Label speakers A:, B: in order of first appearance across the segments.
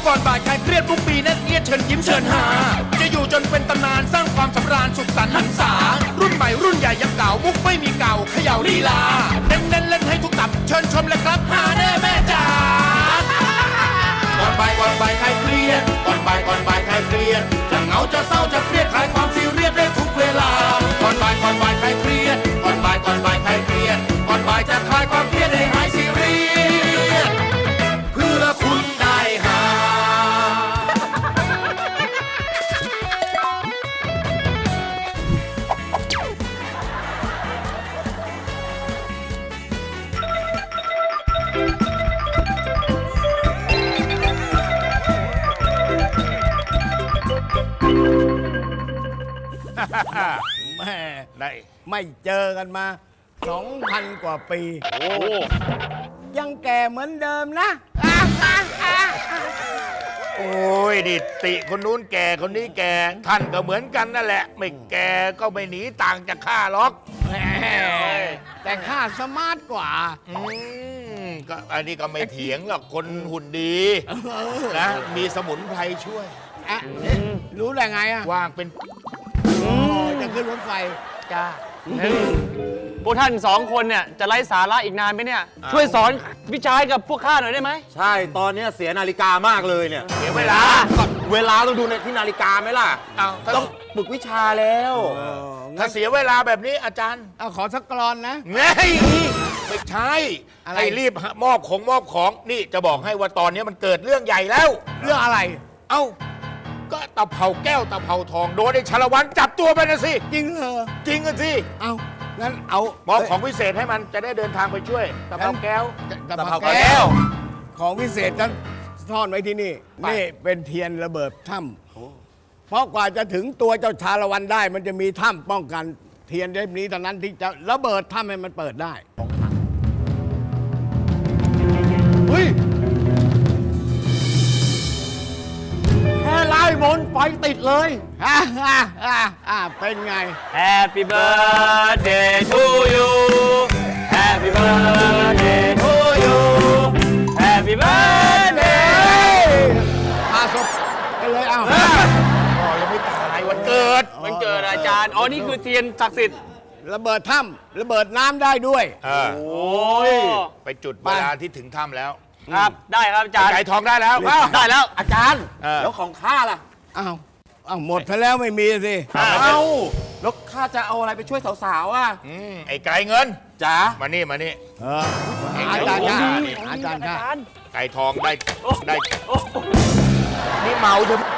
A: ก่อนบ่ายคลายเครียดทุกปีแน่นเอียดเชิญยิ้มเชิญหาจะอยู่จนเป็นตำนานสร้างความสำราญสุขสันต์หันษารุ่นใหม่รุ่นใหญ่ยังเก่ามุกไม่มีเก่าเขย่าลีลาเน้นเล่นให้ทุกตับเชิญชมเลยครับหาแน่แม่จ๋าก่อนบ่ายคลายเครียดก่อนบ่ายคลายเครียดจะเหงาจะเศร้าจะเครียดคลายความซีเรียสได้ทุกเวลาก่อนบ่ายคลายเครียดก่อนบ่ายคลายเครียดก่อนบ่ายจะคลายความเครียดให้หายซีเรียสเพื่อคุณได้หา
B: แม่
C: ได้
B: ไม่เจอกันมา 2,000 กว่าปี
C: โอ้
B: ยังแก่เหมือนเดิมนะ
C: โอ้ยดิติคนนู้นแก่คนนี้แก่ท่านก็เหมือนกันนั่นแหละ ไม่แก่ก็ไม่หนีต่างจากข้าหรอก
B: แหมแต่ข้าสมาร์ทกว่า
C: ก็อันนี้ก็ไม่เถียงหรอกคนหุ่นดีนะมีสมุนไพรช่วย
B: อะรู้ได้ไงอ่ะ
C: ว่างเป็น
B: จะขึ้นรถไฟ
C: จ้า
D: พวกท่านสองคนเนี่ยจะไร้สาระอีกนานไหมเนี่ย ช่วยสอนวิชาให้กับพวกข้าหน่อยได้ไหม
E: ใช่ตอนนี้เสียนาฬิกามากเลยเนี่ย
C: เสียเวลา
E: เวลาต้องดูในที่นาฬิกาไหมล่ะ
C: เอาถ้า
E: ต้องฝึกวิชาแล้ว
C: ถ้าเสียเวลาแบบนี้อาจารย์
B: เอาขอสักกรอนนะ
C: ไงไม่ใช่
B: อะไร
C: ให้รีบมอบของนี่จะบอกให้ว่าตอนนี้มันเกิดเรื่องใหญ่แล้ว
B: เรื่องอะไร
C: เอ้าก็ตะเภาแก้วตะเภาทองโดนไอ้ชาละวันจับตัวไปนะสิ
B: จริงเหรอ
C: จริงกันสิ
B: เอางั้นเอา
C: มอบของพิเศษให้มันจะได้เดินทางไปช่วยตะเภาแก้ว
B: ตะ
E: ตะ
B: เภา
E: เภาแก้
B: แก้ว
E: ว
B: ของพิเศษนั้นซ่อนไว้ที่นี่ นี่เป็นเทียนระเบิดถ้ำเพราะกว่าจะถึงตัวเจ้าชาละวันได้ มันจะมีถ้ำป้องกันเทียนเล่มนี้เท่านั้นที่จะระเบิดถ้ำให้มันเปิดได้
E: เฮ้ย แค่ไล่มนต์ไฟติดเลย
B: เป็นไง
D: Happy birthday to you Happy birthday to you Happy birthday
B: อาศพกันเลยเอา
C: พ่อยังไม่ตายวันเกิด
D: มันเกิดอาจารย์ อ๋อ นี่คือเทียนศักดิ์สิทธิ์
B: ระเบิดถ้ำระเบิดน้ำได้ด้วย
C: เออ
D: โอ้ย
C: ไปจุดเวลาที่ถึงถ้ำแล้ว
D: ครับ ได้ครับอาจารย์
C: ไก่ทองได้แล้ว
D: ได้แล้ว
E: อาจารย์
C: เออ
E: แล้วของข้าล่ะ
B: อ้าวหมดไปแล้วไม่มีสิ
E: เอ้าแล้วข้าจะเอาอะไรไปช่วยสาวๆอ่ะ
C: ไอ้ไก่เงิน
E: จ๋า
C: มานี่มานี่
B: อาจารย์ค่ะ
C: นี่
B: อาจารย์ค่ะ
C: ไก่ทองได้นี่เมาใช่ไหม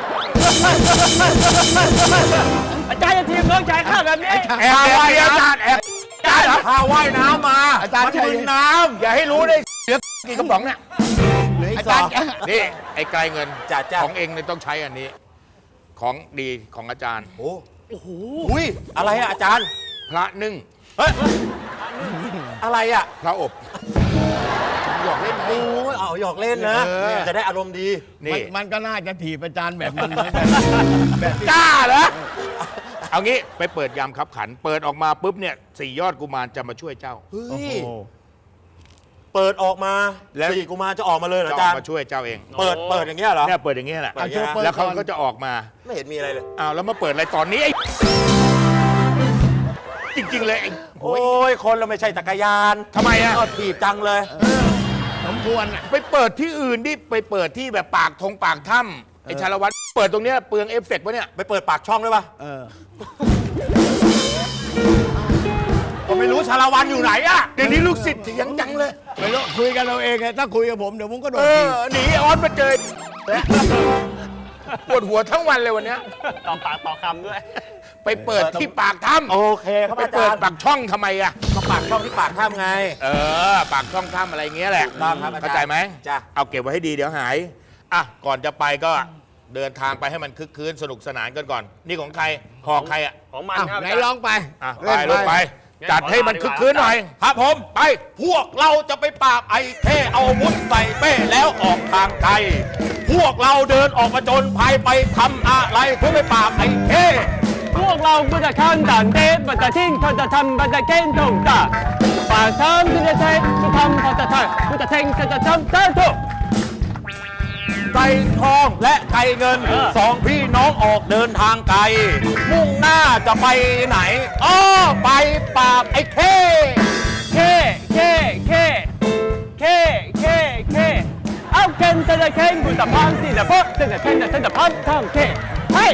D: อาจารย์จะทีมน้องชายข้าแบบนี้
C: แอบว่ายอาจารย์แอบอาจารย์เหรอ
E: ข้าว่ายน้ำมา
B: อาจารย์
E: มัน
B: ใช่
E: มึนน้ำ
C: อย่าให้รู้ได้เสือกี่กระป๋องเนี่ย
B: อาจารย์
C: นี่ไอ้ไก่เงิน
E: จ้ะ
C: ของเองเนี่ยต้องใช้อันนี้ ของดีของอาจารย์
E: โอ้โหอุ้ยอะไรอะอาจารย์
C: พระนึ่ง
E: เฮ้ย อะไรอะ
C: พระอบหยอกเล่นไง
E: โอ้ยเอาหยอกเล่นนะ
C: เออ
E: จะได้อารมณ์ดี
C: นี่
B: มันก็น่าจะถีบอาจารย์แบบมันเหมือนกันแบบที่
C: กล้าเหรอเอางี้ไปเปิดยามคับขัน เปิดออกมาปุ๊บเนี่ย4 ยอดกุมารจะมาช่วยเจ้า
E: เฮ้
B: โอ้
E: ย
B: โห
E: เปิดออกมา
C: แล้ว
E: สี่กุมารจะออกมาเลยเหรอ
C: จะ
E: อา
C: อ
E: จา
C: อ
E: ร
C: ก
E: ย์
C: มาช่วยเจ้าเอง
E: เปิดอย่างเงี้ยเหรอ
C: เนี่ยเปิดอย่างเงี้ยแหละ
E: เปิดอย่างเงี้ย
C: แล้วเขาก็จะออกมา
E: ไม่เห็นมีอะไรเลย
C: อ้าวแล้วมาเปิดอะไรตอนนี้ไอ้จริงๆเลยไอ้โอ้
E: โอ้
C: ย
E: ย คนเราไม่ใช่จักรยาน
C: ทำไมอะ
E: ก็ถีบจังเลย
B: สมควรอ่ะ
C: ไปเปิดที่อื่นดิไปเปิดที่แบบปากถ้ำไอ้ชาละวัตรเปิดตรงเนี้ยเปลืองเอฟเฟกต์ปะเนี่ย
E: ไปเปิดปากช่องด้วยป่ะ
B: เออ
E: ก็ไม่รู้ชาละวันอยู่ไหนอะ
C: เดี๋ยวนี้ลูกศิษย์เถียงจังเลย
B: ไม่รู้คุยกันเราเองไงถ้าคุยกับผมเดี๋ยวผมก็โด
C: เอน
B: ถี
C: อบ หนีออสมาเจอปวดหัวทั้งวันเลยวันเนี้ย
D: ต่อปากต่อคำด้วย
C: ไปเปิดที่ปากถ้ำ
E: โอเคครับ
C: ไป
E: อา
C: เปิ
E: จา
C: ด
E: รย์
C: ปากช่องทำไมอะ
E: ก็ปากช่องที่ปากถ้ำไง
C: ปากช่องถ้ำอะไรเงี้ยแหละ
E: ถูกต้องครับอาจารย์
C: เข้าใจไหม
E: จ้ะ
C: เอาเก็บไว้ให้ดีเดี๋ยวหายอ่ะก่อนจะไปก็เดินทางไปให้มันคึกคืนสนุกสนานกันก่อน นี่ของใครหอกใครอ่ะ
D: ของมัน
B: อ้าว
D: ครับ
B: ไหน
D: อาจารย์
B: ลองไป
C: อ่ะ
B: เล่น
C: ไปลงไป จัดให้มันคึกคืนหน่อย
E: ครับผม
C: ไป
E: พวกเราจะไปปราบไอ้เท่เอาอาวุธใส่เป้แล้วออกทางไกลพวกเราเดินออกมาจนภัยไปทำอะไรเพื่อไปปราบไอ้เท่
D: พวกเราก็จะข้ามด่านเดฟบัตรทิ้งเขาจะทำบัตรเก้นถงตาปากทำที่จะใช้จะทำเขาจะทำเขาจะเท่งเขาจะทำได้ทุก
E: ไก่ทองและไก่เงินสองพี่น้องออกเดินทางไกล มุ่งหน้าจะไปไหนอ้อไปปราบไอ้เข้
D: เคเอาเคนจะเคนกูจะพังสิจะพังจะเคนจะพังทางเคเฮ้ย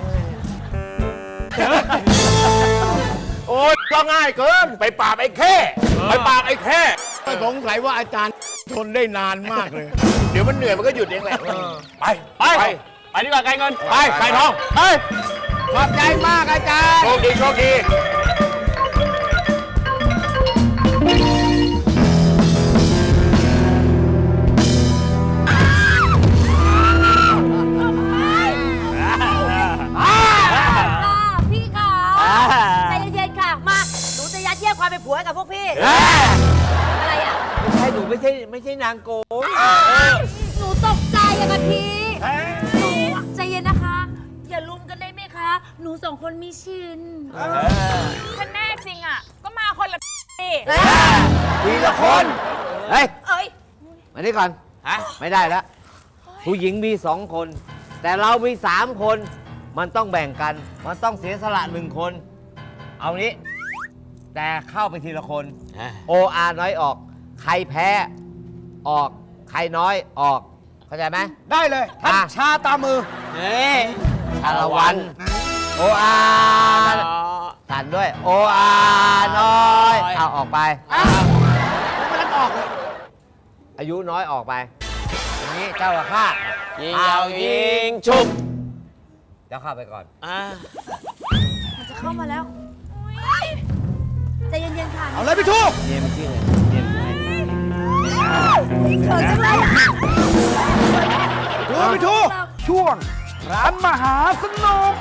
E: โอ๊ยก็ง่ายเกินไปปราบไอ้เข้ไปปราบไอ้เข้
B: ก็สงสัยว่าอาจารย์ทนได้นานมากเลย
C: เดี๋ยวมันเหนื่อยมันก็หยุดเองแหละ
E: ไป
D: ไปดีกว่าไก่เงิน
E: ไปไก่ทอง
D: เฮ้ย
B: ขอบใจมากอาจารย์
C: โชคดีโชคดี
F: พี่ค่ะใจเย็นๆค่ะ มา หนูจะยัดเยียดความเป็นผัวให้กับพวกพี่ อะไรอ่ะ
G: ไม่ใช่หนูไม่ใช่นางโกง
F: หนูตกใจอะค่ะพี่หนูใจเย็นนะคะ อย่าลุมกันได้ไหมคะ หนูสองคนมีชิน
H: ถ้าแน่จริงอ่ะ ก็มาคนละสิ
G: ทีละคน เฮ้ย
F: เอ้ย
G: มานี่ก่อนไม่ได้แล้ว ผู้หญิงมี2 คน แต่เรามี3 คน มันต้องแบ่งกัน มันต้องเสียสละ1 คน เอานี้ แต่เข้าไปทีละคน OR น้อยออก ใครแพ้ออก ใครน้อยออก เข้าใจไหม
B: ได้เลยท่านชาตามือ
G: เฮ้ยชาละวัน OR สั่นด้วย OR น้อยเอาออกไปไม่ต้องออกเลย อายุน้อยออกไปอย่างนี้เจ้ากับข้า
D: ยิงยาวยิงชุบ
G: เจ้าข้าไปก่อน
F: มันจะเข้ามาแล้วใจเย็นๆค่ะ
B: เอาเลยพี่ทู
G: เยี่ยมจริงเลยเยี่ยมจริง
F: เขินจังเลยอะ
B: พี่ทูช่วงร้านมหาสนุก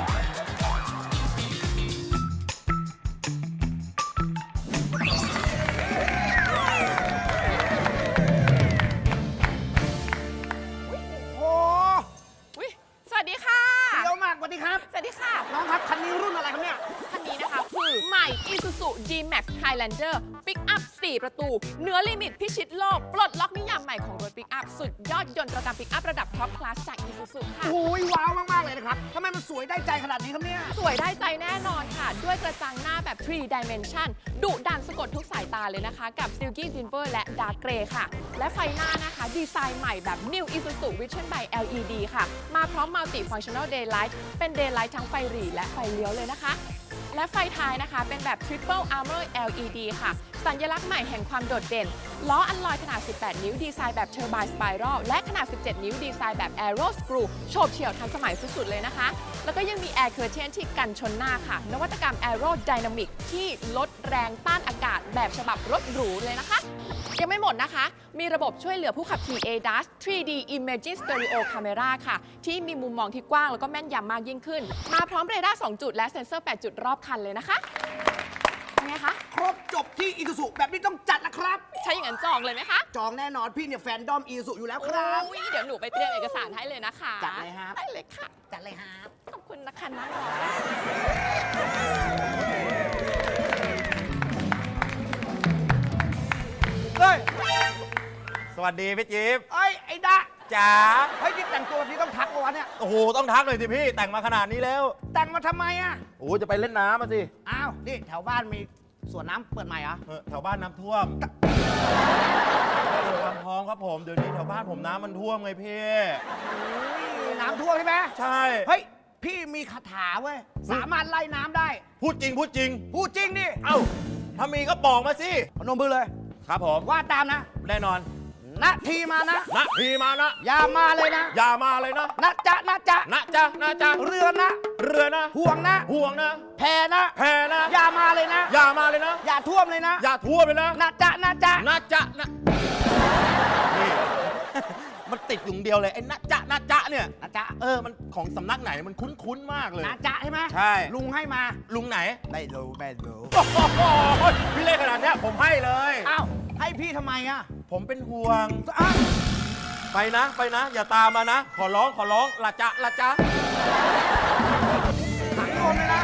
H: อุ๊ยสวัสดีค่ะ
B: เยอะมากสวัสดีครับ
H: สวัสดีค่ะ
B: น้องครับ คันนี้รุ่นอะไรครับเนี่ย
H: คันนี้นะคะคือใหม่ Isuzu D-Max Highlander ปิกอัพ 4 ประตู เนื้อลิมิตพิชิตโลก ปลดล็อกนิยามใหม่ของรถปิกอัพ สุดยอดยนต์ระดับปิกอัพระดับท็อปคลาสจาก Isuzu ค่ะ
B: โอ้ยว้าวมาก ๆ เลยนะครับทำไมมันสวยได้ใจขนาดนี้ครับเนี่ย
H: สวยได้ใจแน่นอนค่ะ ด้วยกระจังหน้าแบบ 3 dimension ดุดันสะกดทุกสายตาเลยนะคะ กับ Silky Silver และ Dark Grey ค่ะ และไฟหน้านะคะ ดีไซน์ใหม่แบบ New Isuzu Vision by LED ค่ะ มาพร้อม Multi Functional Daylight เป็น Daylight ทั้งไฟหรี่และไฟเลี้ยวเลยนะคะ และไฟท้ายนะคะเป็นแบบ Triple Armor LED ค่ะ สัญลักษณ์ใหม่แห่งความโดดเด่น ล้ออัลลอยขนาด 18 นิ้วดีไซน์แบบ Turbine Spiral และขนาด 17 นิ้วดีไซน์แบบ Aero Screw โฉบเฉี่ยวทันสมัยสุดๆเลยนะคะ แล้วก็ยังมี Air Curtain ที่กันชนหน้าค่ะ นวัตกรรม Aero Dynamic ที่ลดแรงต้านอากาศแบบฉบับรถหรูเลยนะคะ ยังไม่หมดนะคะ มีระบบช่วยเหลือผู้ขับขี่ ADAS 3D Imaging Stereo Camera ค่ะ ที่มีมุมมองที่กว้างแล้วก็แม่นยำมากยิ่งขึ้น มาพร้อมเรดาร์ 2 จุดและเซ็นเซอร์ 8 จุดรอบคันเลยนะคะเป็นไงคะ
I: ครบจบที่อีซูซุแบบนี้ต้องจัดนะครับ
H: ใช้อย่างนั้นจองเลยไหมคะ
I: จองแน่นอนพี่เนี่ยแฟนดอมอีซูซุอยู่แล้วครับ
H: อุ๊ยเดี๋ยวหนูไปเตรียมเอกสารให้เลยนะคะ
I: จัดเลยครับ
H: ได้เลยค่ะ
I: จัดเลยครับ
H: ขอบคุณนะคะน้องรอ
I: เฮ้ย
E: สวัสดีพี่จิ๊บ
I: เอ้ย ไอ้ดะ
E: จ๋า
I: เฮ้ยนี่แต่งตัวแบบนี้ต้องทักปะวะเนี่ย
E: โอ้โหต้องทักเลยสิพี่แต่งมาขนาดนี้แล้ว
I: แต่งมาทำไมอ่ะ
E: โอ้จะไปเล่นน้ำมาสิ
I: อ้าว นี่แถวบ้านมีสวนน้ำเปิดใหม่เหรอ
E: แถวบ้านน้ำท่วมความพร้อมครับผมเดี๋ยวนี้แถวบ้านผมน้ำมันท่วมไงพี่
I: น้ำท่วมใช่ไหม
E: ใช่
I: เฮ้ย พี่มีคาถาเว้ย สามารถไล่น้ำได้
E: พูดจริงพูดจริง
I: พูดจริงดิ
E: เอ้าถ้ามีก็บอกมาสิ
I: พนมมือเลย
E: ครับผม
I: ว่าตามนะ
E: แน่นอน
I: นาทีมานะ
E: นะพี่มานะ
I: อย่ามาเลยนะ
E: อย่ามาเลยนะ
I: นะจ๊ะนะจ๊ะ
E: นะจ๊ะนะจ๊ะ
I: เรือนะ
E: เรือนะ
I: ห่วงนะ
E: ห่วงนะ
I: แพนะ
E: แพนะ
I: อย่ามาเลยนะ
E: อย่ามาเลยนะ
I: อย่าท่วมเลยนะ
E: อย่าท่วมเลยนะ
I: นะจ๊ะนะจ๊ะ
E: นะจ๊ะนะนี่ มันติดอยู่เดียวเลยไอ้นะจ๊ะนะจ๊ะเนี่ย
I: นะจ๊ะ
E: มันของสำนักไหนมันคุ้นๆมากเลย
I: นะจ๊ะใช่ไหม
E: ใช่
I: ลุงให้มา
E: ลุงไหน
I: ไม่รู้ไม่รู้
E: โอ้โหพี่เล่นขนาดเนี้ยผมให้เลย
I: อ้าว ให้พี่ทำไมอ่ะ
E: ผมเป็นห่วง
I: อ้าว
E: ไปนะ ไปนะ อย่าตามมานะ ขอร้องขอร้องละจ๊ะละจ๊ะ
I: ถังลมเลยนะ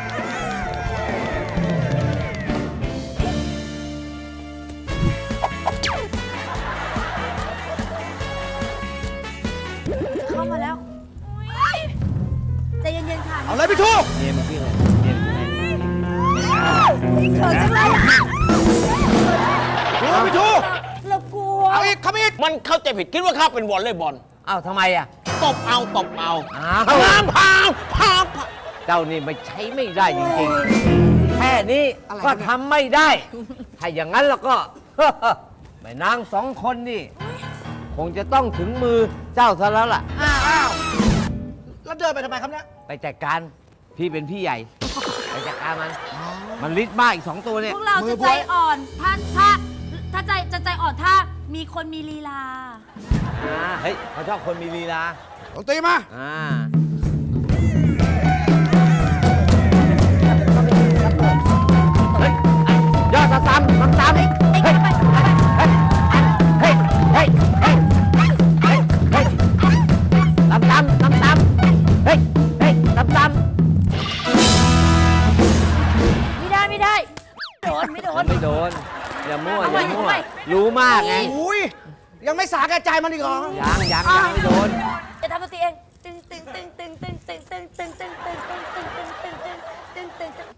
F: จะเข้า
I: เอาเลยพี่ทู
G: เมียมันชื่ออะไรเมียมันชื่ออะไร
F: เขินจังเลยอะ
I: ทูพี่ทู
F: เรากลัว
I: เอาอีกคำอีก
E: มันเข้าใจผิดคิดว่าข้าเป็นวอลเลย์บอล
G: อ้าวทำไมอ่ะ
E: ตบเอาตบเอา
G: อ้าว
E: พาม
G: เจ้านี่ไม่ใช้ไม่ได้จริงๆ แค่นี้ก็ทำไม่ได้ ถ้าอย่างนั้นแล้วก็ แม่นางสองคนนี่ คงจะต้องถึงมือเจ้าซะแล้วล่ะ
I: อ้าวแล้วเดินไปทำไมครับเนี่ย
G: ไปจัดการพี่เป็นพี่ใหญ่ ไปจัดการมันฤทธิ์มากอีก 2 ตัวเนี่ย
F: พวกเราจะใจอ่อนถ้าใจอ่อนถ้ามีคนมีลีลา
G: เฮ้ยเขาชอบคนมีลีลา
I: ดนตรีมา
G: เฮ้ยยอดตามเฮ้ยเฮ้ยเฮ้ยเฮ้ยเฮ้ยเฮ้ยเฮ้ยตามเฮ้ยเฮ้ยตาม
F: ไม่ได้ไม่โดน
G: ไม่โดน อย่ามั่ว
F: เอา
G: อ
F: ใหม่
G: ย่ามั่ว
F: เอาใหม่
G: รู้มากไง
I: อุ้ย ยังไม่สาแก่ใจมันอีกเหรอ
G: ยังไม่โดน
F: จะทำดนตรีเองตึงตึงตึงตึงตึงตึงตึงตึงตึงตึงตึงตึงตึงตึงตึงตึงตึง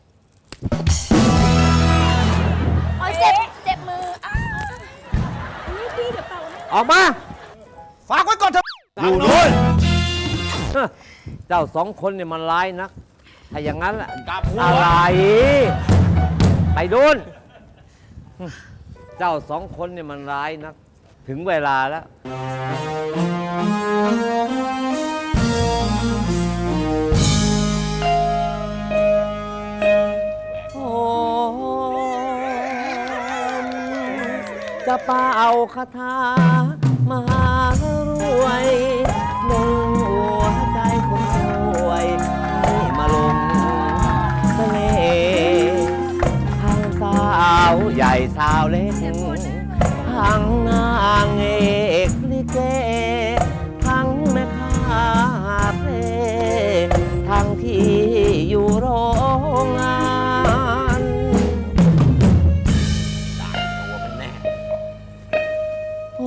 F: โอ้ยเจ็บมืออ้าวนี่พี่เดี๋ยวเป่าให้
G: ออกมา
I: ฝากไว้ก่อนเถอะ
G: อยู่นู้นเจ้าสองคนเนี่ยมันร้ายนัก ถ้าอย่างนั้นล่ะอะไร ไปดูนเจ้าสองคนเนี่ยมันร้ายนัก ถึงเวลาแล้ว โอ้จะเป่าคาถามหารวยหนึ่งหัวใจคนสวยให้มาลงเสน่ห์ทั้งสาวใหญ่สาวเล็กทั้งนางเอกลิเกทั้งแม่ค้าเพลงทั้งที่อยู่โรงงาน โอ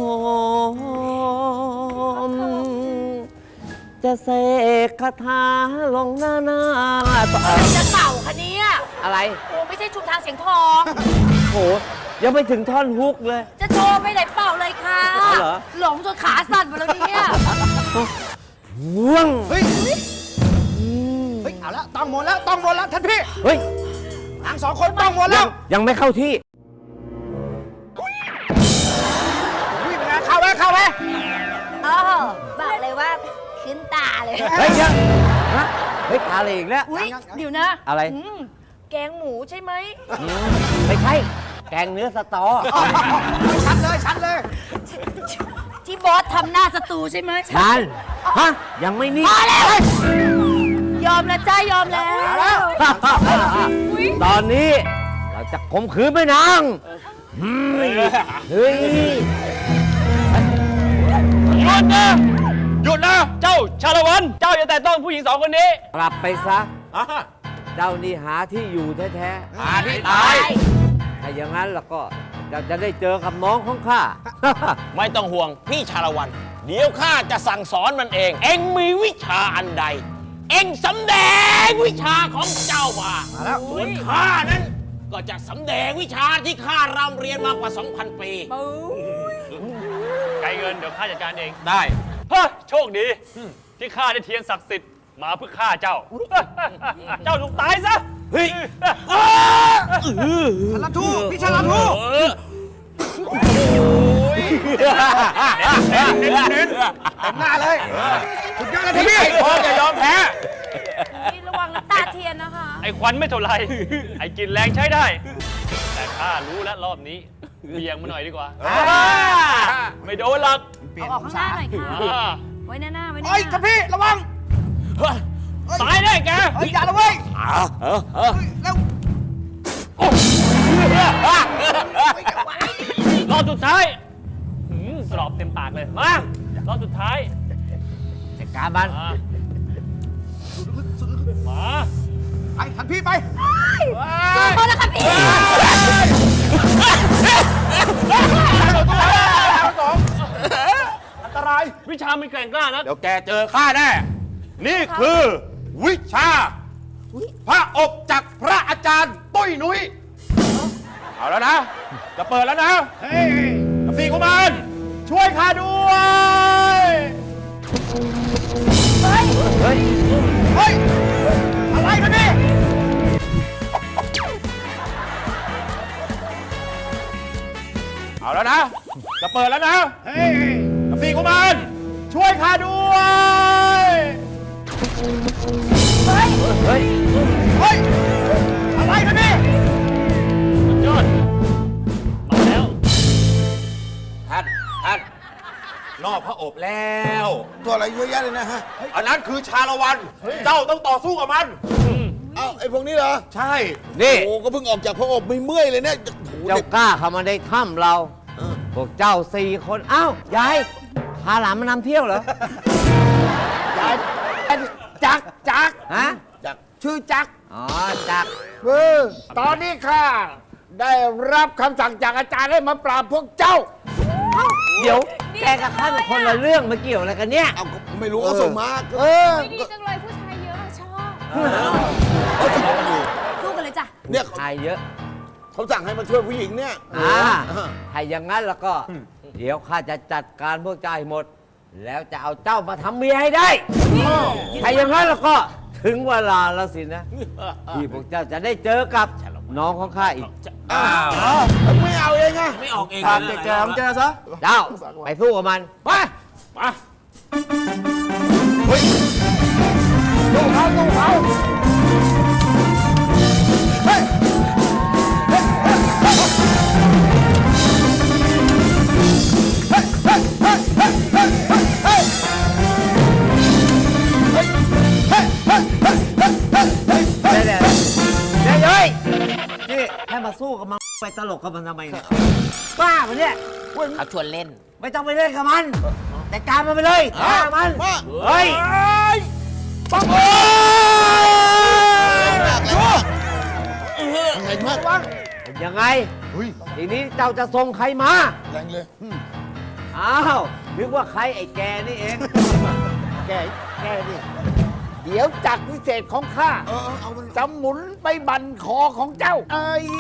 G: มจะเสกคาถาลงหน้า
F: จะเป่าคะเนี่ย
G: อะไร
F: โอ้ไม่ใช่ชุมทางเสียงทอง
G: โห ยังไม่ถึงท่อนฮุกเลย
F: จะโชว์ไปไหนเป่าเลยค่ะ
G: เอาเหรอ
F: หลงจนขาสั่นหมดแล้วเนี่ย
G: ว่วง
I: เฮ้ย เฮ้ย เอาแล้วต้องหมดแล้วต้องหมดแล้วท่านพี่
G: เฮ้ย
I: ทั้งสองคนต้องหมดแล้ว
G: ยังไม่เข้าที่
I: วิ่งไปนะเข้าไหมเข้าไหม
F: เออบอกเลยว่าขึ้นตาเลย
G: เฮ้ยยังฮะเฮ้ยอะไรอีกแล้ว
F: อุ้ยเดี๋ยวนะ
G: อะไร
F: แกงหมูใช่ไหม
G: ไม่ใช่ แกงเนื้อสตอ
I: ชัดเลยชัดเลย
F: ที่บอสทำหน้าสตูใช่ไหม
G: ชันฮะ ยังไม่นิ่ง
F: พอแล้ว ยอมแล้วจ้ายอมแล้ว
G: ตอนนี้เราจะข่มขืนแม่นางเฮ้ย
D: หยุดนะ หยุดนะ เจ้าชาละวัน เจ้าอย่าแตะต้องผู้หญิง2 คนนี้
G: กลับไปซะ เจ้านี่หาที่อยู่แท้ๆ
E: หาที่ตาย
G: ถ้าอย่างนั้นแล้วก็เจ้าจะได้เจอกับน้องของข้า
E: ไม่ต้องห่วงพี่ชาละวัน เดี๋ยวข้าจะสั่งสอนมันเอง เอ็งมีวิชาอันใด เอ็งสำแดงวิชาของเจ้ามาส่วนข้านั้น ก็จะสำแดงวิชาที่ข้ารำเรียนมากว่า 2,000 ปี
D: ไกลเงินเดี๋ยวข้าจัดการเอง
E: ได้
D: เฮ้ยโชคดี ที่ข้าได้เทียนศักดิ์สิทธิ์มาเพื่อฆ่าเจ้า เจ้าถูกตายซะ
E: เฮ้ย
I: ชาลาทูพี่ชาลาทู
E: เน้น
I: เต็มหน้าเลยสุดยอดเลยท่านพี่
E: ไอ้พอจะยอมแพ้
F: ระวังน้ำตาเทียนนะคะ
D: ไอ้ควันไม่เท่าไร ไอ้กลินแรงใช้ได้ แต่ข้ารู้แล้วรอบนี้เบี่ยงมาหน่อยดีกว่า ไม่โดนหรอก
F: เอาออกข้างหน้าหน่อยค่ะ
D: อ่า
F: ไว้หน้าไว้หน้า
I: เฮ้ยท่านพี่ระวัง
D: ตายแน่แก
I: เฮ้ยอย่าละเว้ยเร็ว
D: รอบสุดท้ายกรอบเต็มปากเลย มา รอบสุดท้าย
G: จัดการมัน
D: มา
I: ไปท่านพี่ไป
F: โทษนะคะพี่
E: อันตราย
D: วิชามันแกร่งกล้านะ
E: เดี๋ยวแกเจอข้าแน่ นี่คือ วิชา
A: พระอบจากพระอาจารย์ตุ้ยนุ้ยเอาแล้วนะ จะเปิดแล้วนะสี่กุมารช่วยข้าด้วย
G: เฮ้ย
A: เฮ้ย อะไรกันนี่เอาแล้วนะ จะเปิดแล้วนะสี่กุมารช่วยข้าด้วย
G: เฮ้ย
A: เฮ้ย อะไรกันนี่
D: สุดยอด มาแล้ว
A: ท่านนอกพระอบแล้ว
J: ตัวอะไรเยอะแยะเลยนะฮะ
A: อันนั้นคือชาละวัน เจ้าต้องต่อสู้กับมัน
J: เอ้าไอ้พวกนี้เหรอ
A: ใช่
G: นี่
J: โอ้ก็เพิ่งออกจากพระอบไม่เมื่อยเลยเนี่ยโอ้โห
G: เจ้ากล้าเข้ามาในถ้ำเรา พวกเจ้า4 คน อ้าว ยาย พาหลานมานำเที่ยวเหรอ
B: ยายจักจัก
G: ฮะ
J: จาก
B: ชื่อจัก
G: อ๋อ จัก
B: ตอนนี้ข้าได้รับคำสั่งจากอาจารย์ให้มาปราบพวกเจ้า
G: เดี๋ยว แกกับข้าเป็นคนละเรื่องมาเกี่ยวอะไรกันเนี่ย
J: เอาก็ไม่รู้เขาส่งมาก็
F: ไม่ดีจังเลยผู้ชายเยอะชอบ
J: เขาส่งมาอยู่
F: สู้กันเลยจ้ะ
J: เนี่ย
G: ชายเยอะ
J: เขาสั่งให้มาช่วยผู้หญิงเนี่ย
G: ถ้าอย่างนั้นแล้วก็ เดี๋ยวข้าจะจัดการพวกเจ้าให้หมด แล้วจะเอาเจ้ามาทำเมียให้ได้ ถ้าอย่างนั้นแล้วก็ถึงเวลาแล้วสินะ ที่พวกเจ้าจะได้เจอกับน้องของข้าอีก
J: ไม่เอาเองอะ
E: ไม่ออกเอง
B: ตามแกของแกซะ
G: เจ้า ไปสู้กับมัน
B: ไปสู้เขาสู้เขา
G: เดี๋ยวนี่ให้มาสู้กับมันไปตลกกับมันทำไมเนี่ย บ้าปะเนี่ย
E: เขาชวนเล่น
G: ไม่ต้องไปเล่นกับมัน แต่การมันไปเลยฆ่ามัน เฮ้ย
B: ปัง
J: แรงมาก
G: ยังไง ทีนี้เจ้าจะส่งใครมา
J: แรงเลย
G: อ้าวนึกว่าใครไอ้แกนี่เอง
B: แกนี่เดี๋ยวจักรวิเศษของข้า
J: เอามัน
B: จะหมุนไปบั่นคอของเจ้า เอ้ย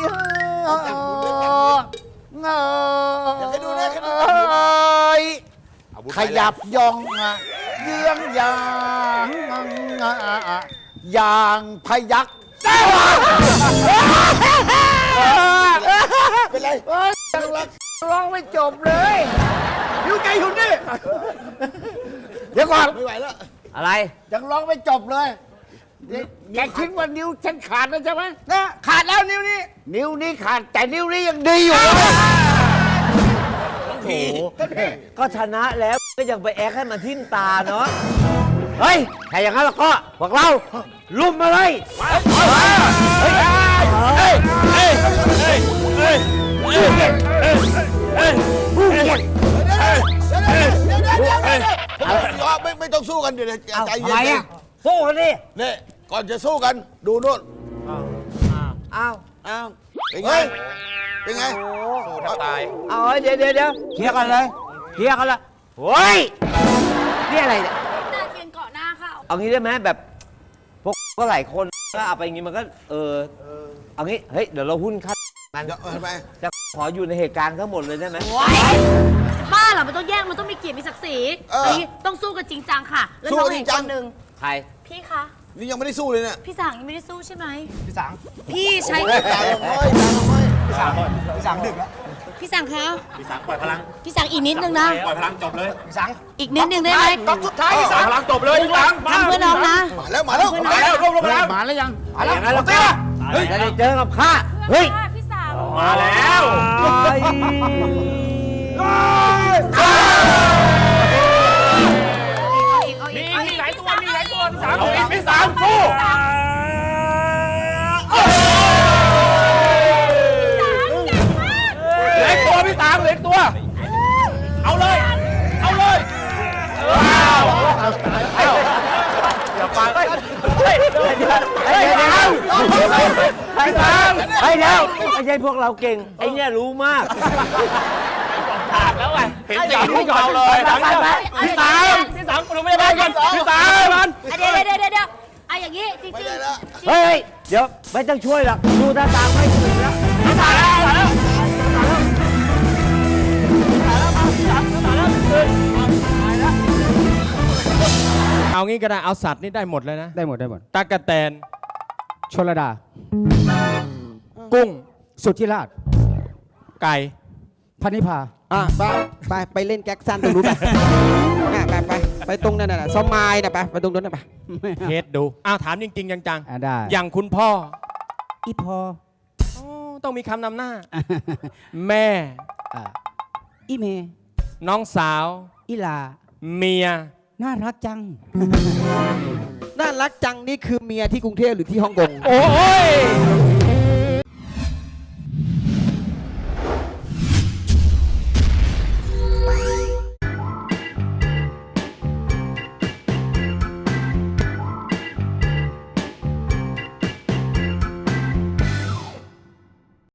J: อยากให้ดูนะ
B: ขยับย่องเยื้องยางอย่างพยัก
J: เป็นไร
B: ยังร้องไม่จบเลยอยู่ใจอยู่นี่เดี๋ยวก่อน
J: ไม่ไหวแล้ว
G: อะไร
B: ยังร้องไม่จบเลยแกคิดว่านิ้วฉันขาดแล้วใช่ไหมนะขาดแล้วนิ้วนี้ นิ้วนี้ขาดแต่นิ้วนี้ยังดีอยู่เลย
G: โอ้โห ก็ชนะแล้วก็ยังไปแอคให้มันทิ่มตาเนาะ เฮ้ย ถ้าอย่างนั้นแล้วก็ พวกเรา ลุมมาเลย
J: ไม่ต้องสู้กันเดี๋ยวใจ
G: ทำ
J: เย็
G: ไม
J: น
G: อ่ะ สู้กันดิ
J: เนี่ยก่อนจะสู้กันดูโน่น
G: อ้าว
J: อ้าวเป็นไงเป็นไง
A: สู้แทบตาย
G: เอาเดี๋ยวเคลียร์กันเลยเคลียร์กันละเฮ้ย นี่อะไรเนี่ย
F: ตาเทียนเกาะหน้าเขา
G: เอางี้ได้ไหมแบบพวกก็หลายคนก็เอาไปอย่างงี้มันก็เอางี้เฮ้ยเดี๋ยวเราหุ้นค่ากัน
J: เดี๋ยวทำไม
G: จะขออยู่ในเหตุการณ์ทั้งหมดเลยได้ไหม
F: บ้าเหรอมันต้องแยกมันต้องมีเกียรติมีศักดิ์ศรีอันนี้ต้องสู้กันจริงจังค่ะ แล้วน้องเห็นคนหนึ่ง
G: ใคร
F: พี่คะ
J: นี่ยังไม่ได้สู้เลยเนี่ย
F: พี่สังยังไม่ได้สู้ใช่ไหม
B: พี่สัง
F: พี่ใช้
J: ตาลงห้อยตาลงห้อย
B: พี่สังดึกแล้ว
F: พี่สังคะ
A: พี่สังปล่อยพลัง
F: พี่สังอีกนิดนึงนะ
A: ปล่อยพลังจบเลย
B: พี่สัง
F: อีกนิดนึงได้ไหม
B: ก๊อกสุดท้ายพี่
A: ปล่
B: สั
A: อย
B: ง
A: พลังจบเลยพี่สัง
F: ทำเพื่อน้องนะ
J: มาแล้วมาแล้ว
A: มาแล้วรวบรวมพลัง
B: มาแล้วยัง
G: อย่างนั้นแล้วก็จะได้เจอกับข้าเฮ้ย
F: พี่สัง
A: มาแล้ว
F: มีหลายตัวมีหลายตัว
A: เอาอีกพี่สังสู้เหลือตัวพี่สังเหลือตัว เอาเลย เอาเลยว้าวอย่าฟังเฮ้ย
G: เดี๋ยวไม่ใช่พวกเราเก่ง ไอ้เนี่ยรู้มาก
D: ขาดแล้วไง
A: เห็นสีพวกเราเลยพี่สัง
D: พี่สังคุณไม่ได้บ้านกันพี่สังมัน
F: เดี๋ยวไอ้อย่างนี้จริงๆ
J: ไม่ได้แล้ว
G: เฮ้ย เดี๋ยวไม่ต้องช่วยหรอกดูท่าทางไม่ถูกแล้วตายแล้ว
K: เอางี้ก็ได้ เอาสัตว์นี่ได้หมดเลยนะ
I: ได้หมด
K: ตากแตน
I: ชลดา
K: กุ้ง
I: สุทธิราช
K: ไก่
I: พันิพา
L: ไปเล่นแก๊กซันตรงนู้นไปตรงนั้นน่ะสมายน่ะไปตรงนู้นน่ะไป
K: เทสดูอ้าวถามจริง ๆ จัง
I: ได้
K: ๆ อย่างคุณพ่อ
I: อีพอ
K: อ๋อต้องมีคำนำหน้า แม่
I: อีเม
K: น้องสาว
I: อีลา
K: เมีย
I: น่ารักจัง
L: น่ารักจังนี่คือเมียที่กรุงเทพหรือที่ฮ่องกง
K: โอ้ย